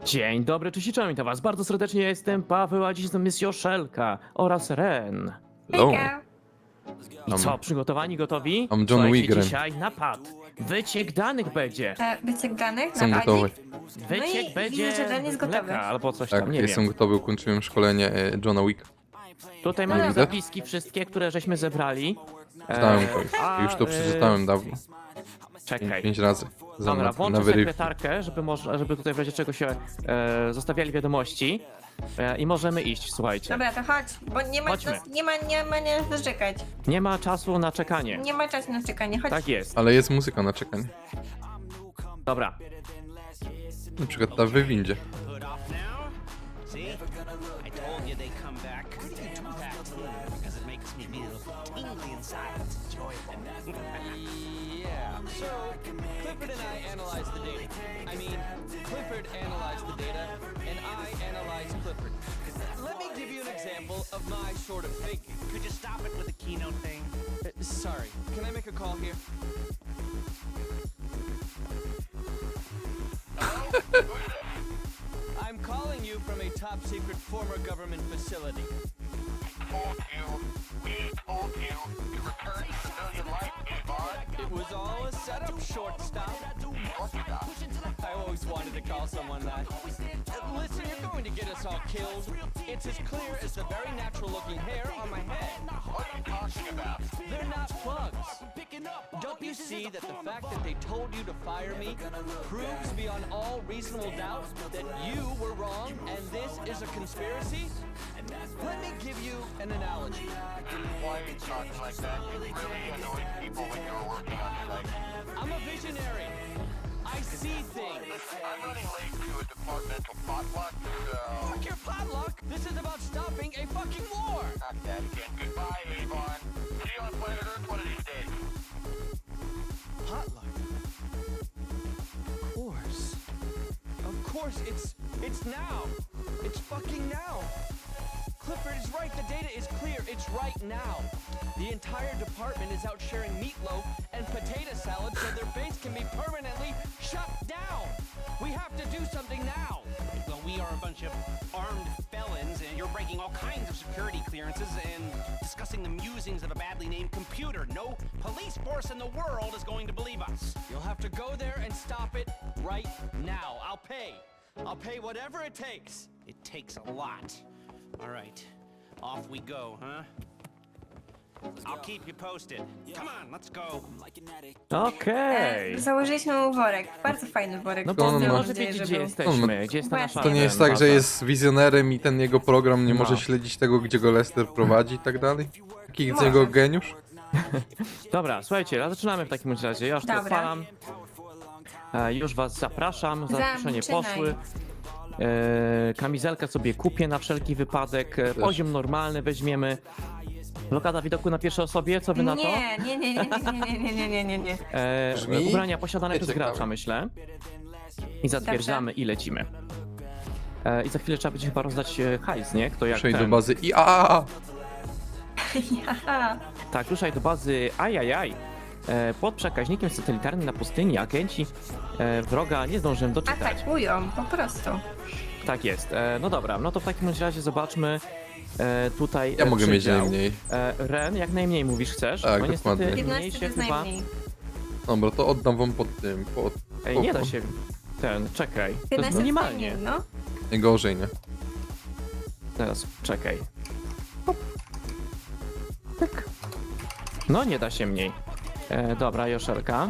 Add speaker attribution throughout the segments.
Speaker 1: Dzień dobry, cześć, witam was bardzo serdecznie, jestem Paweł, a dziś z nami jest Joszelka oraz Ren.
Speaker 2: Hello.
Speaker 3: Hejka.
Speaker 1: I co, przygotowani, gotowi?
Speaker 2: John
Speaker 1: Słuchajcie,
Speaker 2: Wiggren.
Speaker 1: dzisiaj napad. Wyciek danych będzie.
Speaker 3: Wyciek danych
Speaker 2: Są
Speaker 3: na
Speaker 2: gotowe.
Speaker 1: Wyciek
Speaker 3: i
Speaker 1: będzie
Speaker 3: widzę, że Ren jest gotowy.
Speaker 1: mleka albo coś
Speaker 2: Tak,
Speaker 1: tam, nie
Speaker 2: jestem
Speaker 1: wiem.
Speaker 2: gotowy, ukończyłem szkolenie Johna Wicka.
Speaker 1: Tutaj
Speaker 3: No
Speaker 1: mamy
Speaker 2: widzę.
Speaker 1: zapiski wszystkie, które żeśmy zebrali.
Speaker 2: Czytałem to już. Już to przeczytałem dawno.
Speaker 1: Czekaj.
Speaker 2: 5 razy.
Speaker 1: Dobra,
Speaker 2: na
Speaker 1: włączę
Speaker 2: weryfikacji.
Speaker 1: sekretarkę, żeby tutaj w razie czego się zostawiali wiadomości. I możemy iść, słuchajcie.
Speaker 3: Dobra, to chodź, bo nie ma,
Speaker 1: Chodźmy.
Speaker 3: nie ma na co czekać.
Speaker 1: Nie ma czasu na czekanie.
Speaker 3: Nie ma czasu na czekanie, chodź.
Speaker 1: Tak jest.
Speaker 2: Ale jest muzyka na czekanie.
Speaker 1: Dobra.
Speaker 2: Na przykład ta w windzie.
Speaker 4: Put off now? See? I told you they come back. Because it makes me feel tingly inside. It's enjoyable.
Speaker 5: Yeah, so Clifford and I analyzed the data. I mean, Clifford analyzed the data, and I analyzed Clifford. Let me give you an example of my sort of thinking.
Speaker 4: Could you stop it with the keynote thing?
Speaker 5: Sorry, can I make a call here? I'm calling you from a top secret former government facility. It was all a setup, shortstop. I always wanted to call someone that. Listen, you're going to get us all killed. It's as clear as the very natural looking hair on my head. What are you talking about? They're not plugs. Don't you see that the fact that they told you to fire me proves beyond all reasonable doubt that you were wrong and this is a conspiracy? Let me give you an analogy.
Speaker 6: Why are you talking like that? You really annoyed people when you were working on site.
Speaker 5: I'm a visionary. I see things.
Speaker 6: I'm running late to a departmental potluck, so...
Speaker 5: Fuck your potluck. This is about stopping a fucking war.
Speaker 6: Not that again. Goodbye, Avon. See you on planet Earth one of these days.
Speaker 5: Potluck. Of course, it's now. It's fucking now. Clifford is right. The data is clear. It's right now. The entire department is out sharing meatloaf and potato salad so their base can be permanently shut down. We have to do something now.
Speaker 4: Well, we are a bunch of armed felons, and you're breaking all kinds of security clearances and discussing the musings of a badly named computer. No police force in the world is going to believe us.
Speaker 5: You'll have to go there and stop it right now. I'll pay. I'll pay whatever it takes.
Speaker 4: It takes a lot. All right, off we go, huh? I'll keep you posted. Come on, let's go.
Speaker 1: Okej.
Speaker 3: Założyliśmy mu worek, bardzo fajny worek.
Speaker 1: No
Speaker 2: To
Speaker 1: bo
Speaker 2: on
Speaker 1: nie
Speaker 2: ma-
Speaker 1: może wiedzieć, gdzie jesteśmy, gdzie jest ta nasza...
Speaker 2: To nie jest tak, że jest wizjonerem i ten jego program nie
Speaker 1: No.
Speaker 2: może śledzić tego, gdzie go Lester prowadzi i tak dalej? Jaki jest
Speaker 3: Może.
Speaker 2: jego geniusz?
Speaker 1: Dobra, słuchajcie, zaczynamy w takim razie. Ja już to
Speaker 3: Dobra.
Speaker 1: odpalam. Już was zapraszam, zaproszenie
Speaker 3: Zaczynaj.
Speaker 1: poszły. Kamizelkę sobie kupię na wszelki wypadek. Poziom normalny weźmiemy. Blokada widoku na pierwszej osobie, co wy na to?
Speaker 3: Nie.
Speaker 2: Brzmi
Speaker 1: Ubrania posiadane przez
Speaker 2: ciekawe.
Speaker 1: gracza, myślę. I zatwierdzamy i lecimy. I za chwilę trzeba będzie chyba rozdać hajs, nie? Kto jak
Speaker 2: Przejdź do
Speaker 1: ten.
Speaker 2: bazy i a.
Speaker 3: Aha.
Speaker 1: Tak, ruszaj do bazy ajajaj. Pod przekaźnikiem satelitarnym na pustyni agenci wroga nie zdążyłem doczytać.
Speaker 3: Atakują, po prostu.
Speaker 1: Tak jest. No dobra, no to w takim razie zobaczmy tutaj
Speaker 2: Ja mogę mieć
Speaker 1: przedział.
Speaker 2: najmniej.
Speaker 1: Ren, jak najmniej mówisz, chcesz?
Speaker 2: Tak,
Speaker 1: Bo niestety
Speaker 2: dokładnie.
Speaker 3: 15
Speaker 1: mniej
Speaker 3: to
Speaker 1: się
Speaker 3: jest
Speaker 1: chyba...
Speaker 3: najmniej.
Speaker 2: Dobra, to oddam wam pod tym.
Speaker 1: Ej, nie da się... czekaj. To
Speaker 3: 15
Speaker 1: jest
Speaker 3: jest
Speaker 1: minimalnie.
Speaker 3: najmniej, no.
Speaker 2: Nie gorzej, nie?
Speaker 1: Teraz, czekaj. Hop. Tak. No, nie da się mniej. Dobra, Joszelka.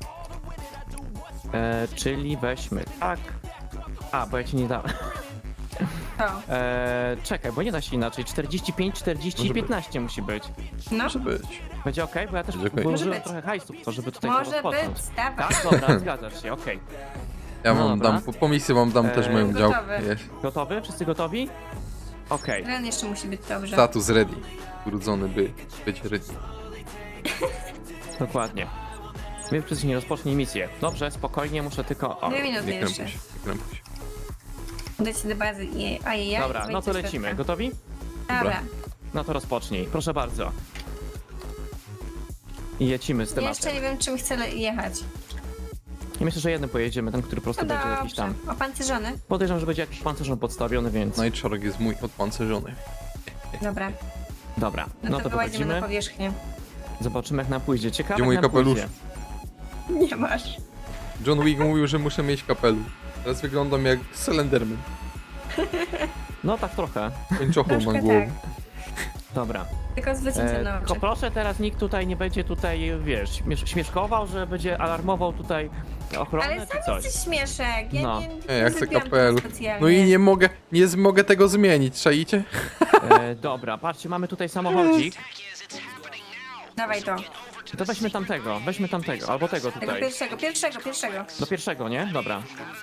Speaker 1: Czyli weźmy tak. A, bo ja ci nie dałem.
Speaker 3: To.
Speaker 1: Czekaj, bo nie da się inaczej. 45, 40,
Speaker 2: Może być.
Speaker 1: 15 musi być.
Speaker 3: No,
Speaker 2: Może być.
Speaker 1: Będzie okej? Bo ja też
Speaker 2: Będzie okej.
Speaker 1: włożyłem
Speaker 3: Może być.
Speaker 1: trochę hajsu w to, żeby tutaj to
Speaker 3: może
Speaker 1: rozpocząć.
Speaker 3: być, dawaj.
Speaker 1: Tak, dobra, zgadzasz się, okej.
Speaker 2: Ja
Speaker 1: No
Speaker 2: wam
Speaker 1: dobra.
Speaker 2: dam, po misji wam dam też moją
Speaker 3: Gotowy.
Speaker 2: działkę. Jest.
Speaker 1: Gotowy? Wszyscy gotowi? Okej.
Speaker 3: Ren jeszcze musi być dobrze.
Speaker 2: Status ready. Urodzony by być ready.
Speaker 1: Dokładnie. Więc przez nie rozpocznij misję. Dobrze, spokojnie, muszę tylko... O.
Speaker 3: 2 minuty
Speaker 2: Nie
Speaker 3: jeszcze.
Speaker 2: krępuj się, nie krępuj się.
Speaker 3: Udać do bazy i ajajaj.
Speaker 1: Dobra, no to
Speaker 3: wejdź do
Speaker 1: lecimy.
Speaker 3: środka.
Speaker 1: Gotowi?
Speaker 3: Dobra.
Speaker 1: No to rozpocznij, proszę bardzo. I lecimy z tematem.
Speaker 3: Jeszcze nie wiem, czym chcę jechać.
Speaker 1: I myślę, że jednym pojedziemy, ten, który po prostu
Speaker 3: No
Speaker 1: będzie jakiś
Speaker 3: dobrze.
Speaker 1: tam.
Speaker 3: Opancerzony?
Speaker 1: Podejrzewam, że będzie jakiś pancerzon podstawiony, więc.
Speaker 2: Nightshard jest mój odpancerzony.
Speaker 3: Dobra.
Speaker 1: Dobra,
Speaker 3: No, to wyłazimy na
Speaker 1: wychodzimy.
Speaker 3: powierzchnię.
Speaker 1: Zobaczymy, jak nam pójdzie. Ciekawe,
Speaker 2: Gdzie
Speaker 1: jak
Speaker 2: mój
Speaker 1: nam
Speaker 2: kapelusz?
Speaker 1: pójdzie.
Speaker 3: Nie masz.
Speaker 2: John Wick mówił, że muszę mieć kapelusz. Teraz wyglądam jak Slenderman.
Speaker 1: No tak trochę.
Speaker 2: Kończochą
Speaker 3: Troszkę
Speaker 2: mam głowę.
Speaker 3: tak.
Speaker 1: Dobra.
Speaker 3: Tylko z wycieńczoną
Speaker 1: Tylko
Speaker 3: oczy.
Speaker 1: proszę teraz nikt tutaj nie będzie tutaj, wiesz, śmieszkował, że będzie alarmował tutaj ochronę
Speaker 3: Ale
Speaker 1: czy
Speaker 3: sam
Speaker 1: coś.
Speaker 3: jesteś śmieszek. Ja
Speaker 1: No.
Speaker 3: nie
Speaker 2: Ja chcę
Speaker 3: zrobiłam tego
Speaker 2: kapelusz.
Speaker 3: specjalnie.
Speaker 2: No i nie mogę tego zmienić, czaicie?
Speaker 1: Dobra, patrzcie, mamy tutaj samochodzik.
Speaker 3: Dawaj to.
Speaker 1: To weźmy tamtego, albo tego
Speaker 3: Tego
Speaker 1: tutaj.
Speaker 3: pierwszego.
Speaker 1: Do pierwszego, nie? Dobra.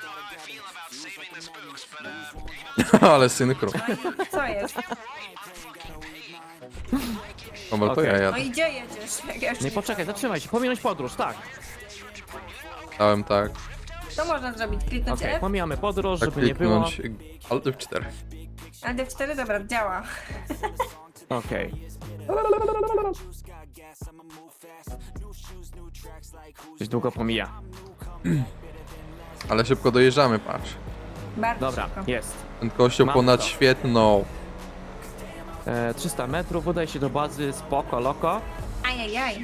Speaker 2: Ale synchro.
Speaker 3: Co jest?
Speaker 2: Dobra, to
Speaker 1: Okej.
Speaker 2: ja
Speaker 3: No
Speaker 2: jadę.
Speaker 3: i gdzie jedziesz? Jak ja już
Speaker 1: Nie, poczekaj, zatrzymaj się, pominąć podróż, tak.
Speaker 2: Dałem tak.
Speaker 3: To można zrobić. Kliknąć
Speaker 1: Okej,
Speaker 3: F,
Speaker 1: pomijamy podróż,
Speaker 2: Tak
Speaker 1: żeby nie było.
Speaker 2: kliknąć Alt F4.
Speaker 3: a D4, dobra, działa.
Speaker 1: Okej. Coś długo pomija.
Speaker 2: Ale szybko dojeżdżamy, patrz.
Speaker 3: Bardzo
Speaker 1: Dobra,
Speaker 3: szybko.
Speaker 1: jest.
Speaker 2: Prędkością
Speaker 1: Mam
Speaker 2: ponad
Speaker 1: to.
Speaker 2: świetną.
Speaker 1: 300 metrów, udaj się do bazy, spoko, loko.
Speaker 3: Ajajaj.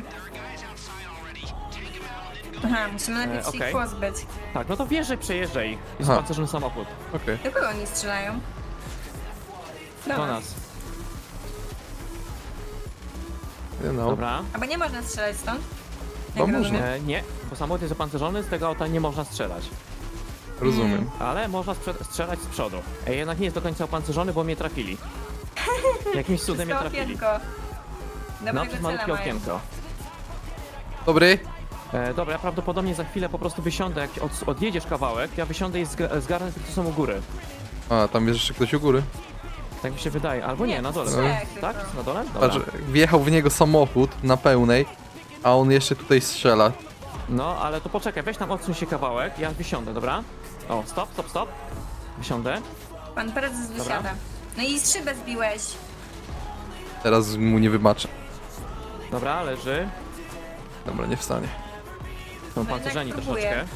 Speaker 3: Aha, musimy najpierw się
Speaker 1: okej.
Speaker 3: ich pozbyć.
Speaker 1: Tak, no to wjeżdżaj, przejeżdżaj. Jest
Speaker 2: Aha.
Speaker 1: pancerzony samochód.
Speaker 2: Okej.
Speaker 3: Do kogo oni strzelają?
Speaker 1: Do nas.
Speaker 2: No.
Speaker 1: Dobra.
Speaker 3: Albo nie można strzelać stąd?
Speaker 2: Bo
Speaker 3: Jak
Speaker 2: można.
Speaker 3: rozumiem.
Speaker 1: Nie, bo samochód jest opancerzony, z tego auta nie można strzelać.
Speaker 2: Rozumiem.
Speaker 1: Ale można strzelać z przodu. Jednak nie jest do końca opancerzony, bo mnie trafili. Jakimś cudem mnie
Speaker 3: Przez to
Speaker 1: trafili.
Speaker 3: okienko.
Speaker 1: No,
Speaker 3: Dobrego
Speaker 1: przez
Speaker 3: cela
Speaker 1: malutkie
Speaker 3: mają.
Speaker 1: okienko.
Speaker 2: Dobry.
Speaker 1: Dobra, ja prawdopodobnie za chwilę po prostu wysiądę, jak odjedziesz kawałek, ja wysiądę i zgarnę tych, co są u góry.
Speaker 2: A, tam jest jeszcze ktoś u góry.
Speaker 1: Tak mi się wydaje. Albo nie, na dole.
Speaker 3: trzech
Speaker 1: Tak?
Speaker 3: tylko.
Speaker 1: Na dole? Dobra.
Speaker 2: Patrz, wjechał w niego samochód na pełnej, a on jeszcze tutaj strzela.
Speaker 1: No, ale to poczekaj, weź tam odsuń się kawałek, ja wysiądę, dobra? O, stop. Wysiądę.
Speaker 3: Pan prezes wysiada. No i szybę zbiłeś.
Speaker 2: Teraz mu nie wybaczę.
Speaker 1: Dobra, leży.
Speaker 2: Dobra, nie wstanie.
Speaker 1: Są
Speaker 3: No
Speaker 1: pancerzeni
Speaker 3: jednak próbuję.
Speaker 1: troszeczkę.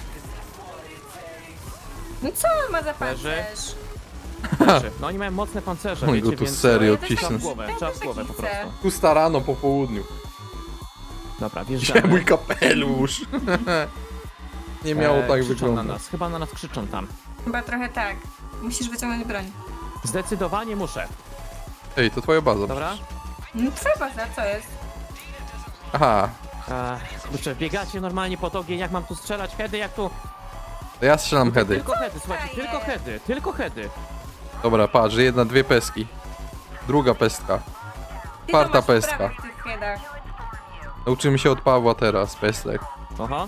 Speaker 3: No co on ma za
Speaker 1: Leży.
Speaker 3: pancerz?
Speaker 1: Leży. No oni mają mocne pancerze,
Speaker 2: On
Speaker 1: wiecie,
Speaker 2: go tu
Speaker 1: więc...
Speaker 2: serio
Speaker 3: Ja też
Speaker 2: cisnę.
Speaker 1: Trzeba w
Speaker 3: tak-
Speaker 1: głowę,
Speaker 3: ja
Speaker 1: trzeba
Speaker 3: też
Speaker 1: w głowę
Speaker 3: tak
Speaker 1: po
Speaker 3: chcę.
Speaker 1: prostu.
Speaker 2: Pusta rano po południu.
Speaker 1: Dobra,
Speaker 2: Gdzie
Speaker 1: wjeżdżamy.
Speaker 2: mój kapelusz? Nie miało tak
Speaker 1: krzyczą
Speaker 2: wyglądać.
Speaker 1: na nas, chyba na nas krzyczą tam.
Speaker 3: Chyba trochę tak. Musisz wyciągnąć broń.
Speaker 1: Zdecydowanie muszę.
Speaker 2: Ej, to twoja baza.
Speaker 1: Dobra?
Speaker 3: No twoja baza, co jest?
Speaker 2: Aha,
Speaker 1: Kurczę, biegacie normalnie pod ogień, jak mam tu strzelać? Heady, jak tu?
Speaker 2: to ja strzelam heady.
Speaker 1: Tylko heady, słuchajcie,
Speaker 3: Daję.
Speaker 1: tylko heady.
Speaker 2: Dobra, patrz, dwie peski. Druga pestka.
Speaker 3: Ty
Speaker 2: Czwarta
Speaker 3: to masz
Speaker 2: pestka.
Speaker 3: wprawę w tych headach.
Speaker 2: Nauczymy się od Pawła teraz, pestek.
Speaker 1: Aha.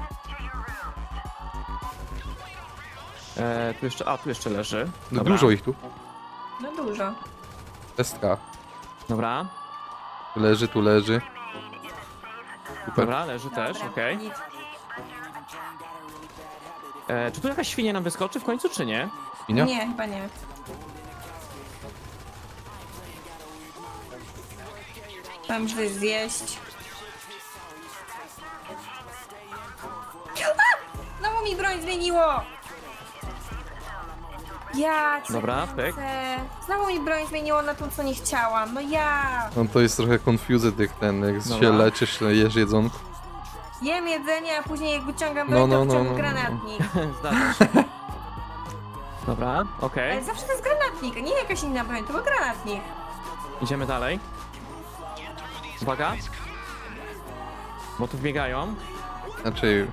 Speaker 1: Tu jeszcze leży.
Speaker 2: No
Speaker 1: Dobra.
Speaker 2: dużo ich tu.
Speaker 3: No dużo.
Speaker 2: Pestka.
Speaker 1: Dobra,
Speaker 2: Tu leży. Super.
Speaker 1: dobra, leży też,
Speaker 3: Dobra,
Speaker 1: okej.
Speaker 3: nic.
Speaker 1: Czy tu jakaś świnia nam wyskoczy w końcu, czy nie?
Speaker 2: Minia?
Speaker 3: Nie, chyba nie. Tam coś zjeść. A! Znowu mi broń zmieniło! Ja cię
Speaker 1: Dobra,
Speaker 3: kręcę.
Speaker 1: pyk.
Speaker 3: Znowu mi broń zmieniło na tą, co nie chciałam. No ja!
Speaker 2: No to jest trochę confused jak jak
Speaker 1: Dobra.
Speaker 2: się leczysz, jesz jedzonko.
Speaker 3: Jem jedzenie, a później jak wyciągam
Speaker 2: No,
Speaker 3: broń,
Speaker 2: no,
Speaker 3: to
Speaker 2: no,
Speaker 3: wciągam
Speaker 2: no, no.
Speaker 3: granatnik.
Speaker 1: Zdarza się. Dobra, okej.
Speaker 3: Ale zawsze to jest granatnik, a nie jakaś inna broń, to był granatnik.
Speaker 1: Idziemy dalej. Uwaga. Bo tu wbiegają.
Speaker 2: Znaczy,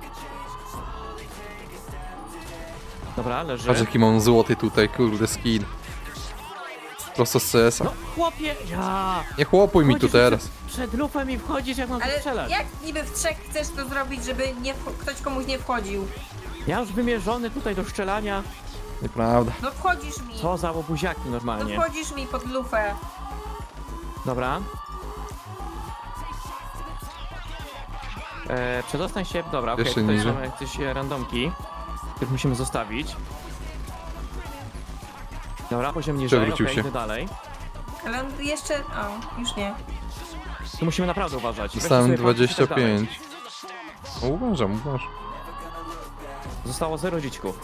Speaker 1: Dobra, leży.
Speaker 2: patrz jaki mam złoty tutaj, kurde, skin. Prosto z CS-a.
Speaker 1: No, chłopie, ja!
Speaker 2: Nie chłopuj mi tu
Speaker 1: Chodzisz
Speaker 2: teraz.
Speaker 1: Przed lufem i wchodzisz, jak mam tu
Speaker 3: Ale
Speaker 1: strzelać.
Speaker 3: jak niby w trzech chcesz to zrobić, żeby nie ktoś komuś nie wchodził?
Speaker 1: Ja już wymierzony tutaj do strzelania.
Speaker 2: Nieprawda.
Speaker 3: No wchodzisz mi.
Speaker 1: Co za łobuziaki
Speaker 3: No
Speaker 1: normalnie.
Speaker 3: wchodzisz mi pod lufę.
Speaker 1: Dobra. Przedostań się, dobra, okej,
Speaker 2: Jeszcze
Speaker 1: tutaj
Speaker 2: niżej.
Speaker 1: mamy jakieś randomki, których musimy zostawić. Dobra, poziom niżej,
Speaker 2: Przewrócił
Speaker 1: okej,
Speaker 2: się.
Speaker 1: idę dalej.
Speaker 3: Ale on jeszcze... O, już nie.
Speaker 1: Tu musimy naprawdę uważać. Weźcie
Speaker 2: Dostałem
Speaker 1: sobie patrzeć i tak dalej.
Speaker 2: 25. O, uważam.
Speaker 1: Zostało 0 dziecików.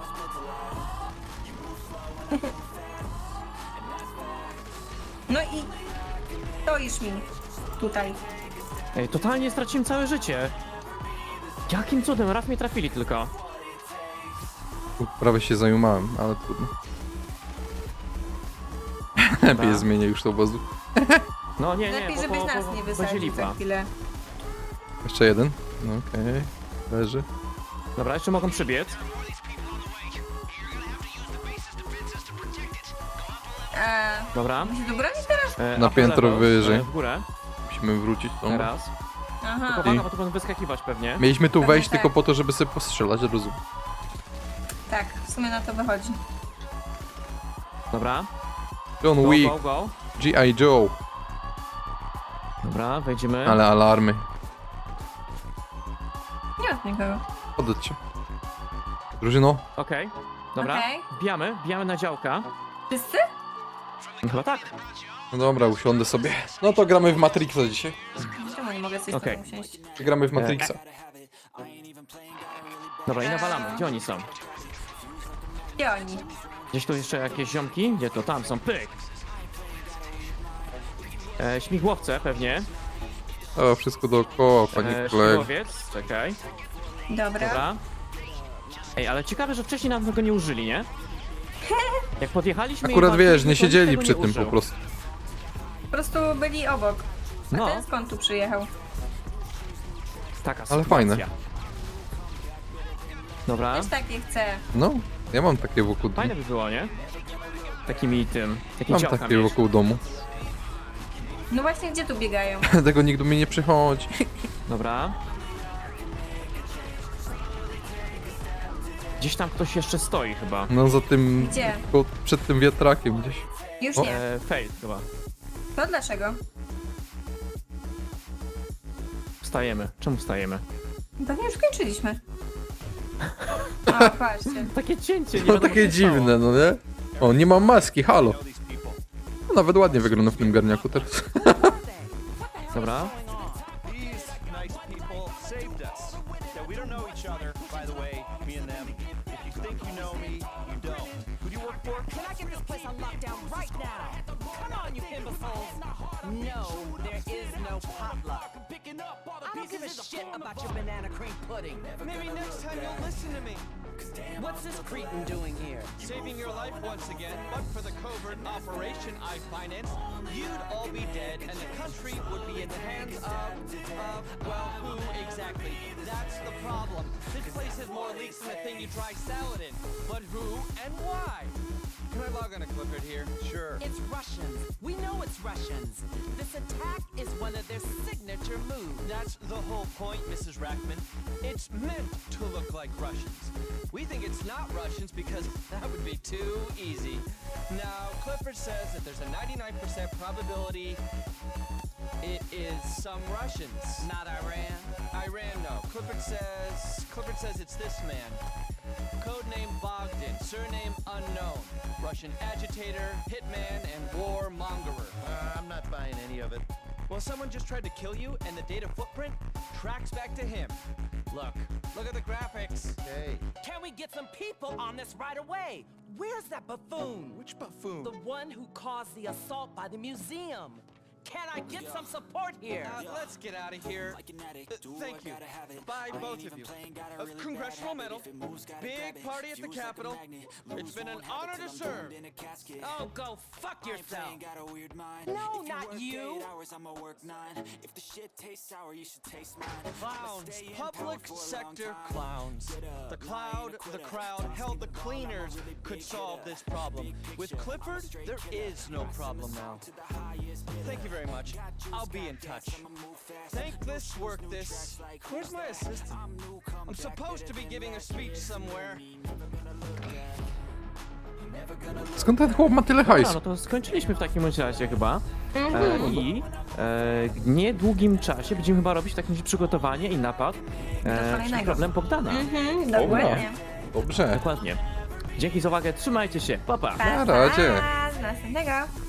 Speaker 3: No i stoisz mi tutaj.
Speaker 1: Ej, totalnie straciłem całe życie. Jakim cudem? Raz mnie trafili tylko.
Speaker 2: Prawie się zajumałem, ale trudno. Lepiej zmienię już to obozu.
Speaker 1: No nie,
Speaker 3: Lepiej,
Speaker 1: bo,
Speaker 3: żebyś
Speaker 1: bo,
Speaker 3: nas
Speaker 1: bo,
Speaker 3: nie
Speaker 1: będzie
Speaker 3: wysadził
Speaker 1: lipa.
Speaker 3: za chwilę.
Speaker 2: Jeszcze jeden. No okej. Leży.
Speaker 1: Dobra, jeszcze mogą przybiec. Dobra.
Speaker 3: Musimy do broni teraz?
Speaker 2: Na
Speaker 1: upper
Speaker 2: piętro
Speaker 1: level,
Speaker 2: wyżej.
Speaker 1: W górę.
Speaker 2: Musimy wrócić tą.
Speaker 1: Teraz.
Speaker 3: Aha.
Speaker 1: Tylko uwaga, bo tu będą wyskakiwać pewnie.
Speaker 2: Mieliśmy tu
Speaker 3: Pewnie
Speaker 2: wejść
Speaker 3: tak.
Speaker 2: tylko po to, żeby sobie postrzelać, rozumiem.
Speaker 3: Tak, w sumie na to wychodzi.
Speaker 1: Dobra.
Speaker 2: John
Speaker 1: Go,
Speaker 2: Wick,
Speaker 1: go, go.
Speaker 2: G.I. Joe.
Speaker 1: Dobra, wejdziemy.
Speaker 2: Ale alarmy.
Speaker 3: Nie ma nikogo.
Speaker 2: Oddać się. Drużyno.
Speaker 1: Okej. Dobra.
Speaker 3: Okej.
Speaker 1: Wbijamy na działka.
Speaker 3: Wszyscy?
Speaker 1: Chyba tak.
Speaker 2: No dobra, usiądę sobie. No to gramy w Matrixa dzisiaj.
Speaker 3: Czemu nie mogę coś
Speaker 1: Okej.
Speaker 3: okay. usiąść?
Speaker 2: Gramy w Matrixa.
Speaker 1: Dobra, i nawalamy. Gdzie oni są?
Speaker 3: Gdzie oni?
Speaker 1: Gdzieś tu jeszcze jakieś ziomki? Gdzie to? Tam są. Pyk. Śmigłowce pewnie.
Speaker 2: O, wszystko dookoła, panie kolego.
Speaker 1: Śmigłowiec. Czekaj.
Speaker 3: Dobra.
Speaker 1: Dobra. Ej, ale ciekawe, że wcześniej nam tego nie użyli, nie? Jak podjechaliśmy i
Speaker 2: Akurat
Speaker 1: walczyliśmy,
Speaker 2: wiesz, nie
Speaker 1: to nikt
Speaker 2: siedzieli
Speaker 1: tego
Speaker 2: przy
Speaker 1: nie
Speaker 2: tym
Speaker 1: użył.
Speaker 2: po prostu.
Speaker 3: Po prostu byli obok. A
Speaker 1: No,
Speaker 3: ten skąd tu przyjechał?
Speaker 1: taka
Speaker 2: Ale
Speaker 1: sytuacja.
Speaker 2: fajne.
Speaker 1: Dobra.
Speaker 3: Też takie chcę.
Speaker 2: No, ja mam takie wokół domu.
Speaker 1: Fajne by było, nie? Takimi takim
Speaker 2: Mam
Speaker 1: działkami.
Speaker 2: takie wokół domu.
Speaker 3: No właśnie, gdzie tu biegają?
Speaker 2: Tego nikt do mnie nie przychodzi.
Speaker 1: Dobra. Gdzieś tam ktoś jeszcze stoi chyba.
Speaker 2: No za tym...
Speaker 3: Gdzie?
Speaker 2: Przed tym wiatrakiem gdzieś.
Speaker 3: Już
Speaker 2: O.
Speaker 3: nie.
Speaker 1: Fail chyba.
Speaker 3: To dlaczego?
Speaker 1: Wstajemy. Czemu wstajemy?
Speaker 3: Pewnie już kończyliśmy. O, patrzcie.
Speaker 1: Takie cięcie, nie
Speaker 2: No
Speaker 1: wiadomo,
Speaker 2: takie
Speaker 1: co się stało.
Speaker 2: dziwne, no nie? O, nie mam maski, halo. No, nawet ładnie wygląda w tym garniaku teraz.
Speaker 1: Dobra.
Speaker 5: These nice people saved us. Yeah, we don't know each other, by the way, me and them. If you think you know me, you don't. Who do you work for?
Speaker 7: Can I get this place on lockdown right now? Come on, you imbeciles! No, there is no potluck. I don't give a shit about your banana cream pudding.
Speaker 5: Maybe next time you'll listen to me.
Speaker 7: What's this cretin doing here?
Speaker 5: Saving your life once again, but for the covert operation I financed, you'd all be dead and the country would be in the hands of, well, who exactly? That's the problem. This place has more leaks than the thing you try salad in. But who and why? Can I log on to Clifford here? Sure.
Speaker 7: It's Russians. We know it's Russians. This attack is one of their signature moves.
Speaker 5: That's the whole point, Mrs. Rackman. It's meant to look like Russians. We think it's not Russians because that would be too easy. Now, Clifford says that there's a 99% probability it is some Russians.
Speaker 7: Not Iran.
Speaker 5: Iran, no. Clifford says it's this man. Codename Bogdan, surname unknown. Russian agitator, hitman, and warmongerer.
Speaker 6: I'm not buying any of it.
Speaker 5: Well, someone just tried to kill you, and the data footprint tracks back to him. Look at the graphics.
Speaker 6: Hey,
Speaker 7: Can we get some people on this right away? Where's that buffoon?
Speaker 6: which buffoon?
Speaker 7: The one who caused the assault by the museum. Can I get some support here?
Speaker 5: Let's get out of here. Thank you. Bye, both of you. Congressional medal. Big party at the Capitol. It's been an honor to serve.
Speaker 7: Oh, go fuck yourself. No, not you.
Speaker 5: Clowns. Public sector clowns. The crowd held the cleaners could solve this problem. With Clifford, there is no problem now. Thank you very much. I'll be in touch. Think this, work this. Where's my assistant? I'm supposed to be giving a speech somewhere.
Speaker 2: Skąd ten chłop ma tyle
Speaker 1: Dobra,
Speaker 2: hajsu?
Speaker 1: no to skończyliśmy w takim bądź razie chyba. I w niedługim czasie będziemy chyba robić takie przygotowanie i napad przed
Speaker 3: kolejnego.
Speaker 1: problem Bogdana.
Speaker 3: Dokładnie.
Speaker 2: Dobrze.
Speaker 1: Dokładnie. Dzięki za uwagę, trzymajcie się, pa pa!
Speaker 2: Na razie.
Speaker 3: Pa, z następnego.